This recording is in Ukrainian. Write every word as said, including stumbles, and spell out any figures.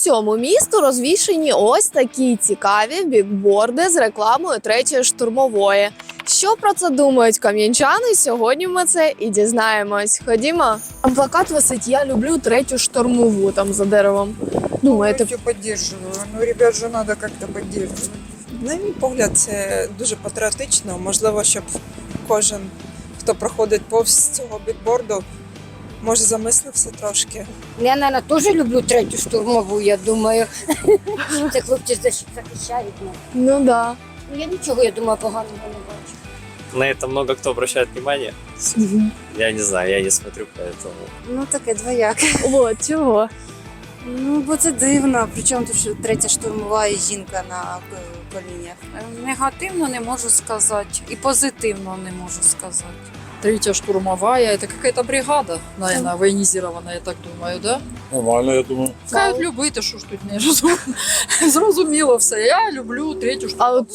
всьому місту розвішені ось такі цікаві бікборди з рекламою третьої штурмової. Що про це думають кам'янчани? Сьогодні ми це і дізнаємось. Ходімо. А плакат висить «Я люблю третю штурмову» там за деревом. Думаєте? Повністю підтримую. Ну, ребят же треба як-то підтримувати. На мій погляд, це дуже патріотично. Можливо, щоб кожен, хто проходить повз цього бікборду, може замислився трошки. Я, наверное, тоже люблю третю штурмову, я думаю. Це хлопці захищають нас. Ну да. Ну, я нічого, я думаю, поганого не бачу. На это много кто обращает внимание. Я не знаю, я не смотрю, поэтому... Ну, таке двояке. От чого? Ну, бо це дивно. Причому тут що третя штурмова і жінка на колінях. Негативно не можу сказати, і позитивно не можу сказати. Третья штурмовая, это какая-то бригада, наверное, военизированная, я так думаю, да? Нормально, я думаю. Кажуть, любити, що ж тут не розуміло. Зрозуміло все. Я люблю третю штурмову. А от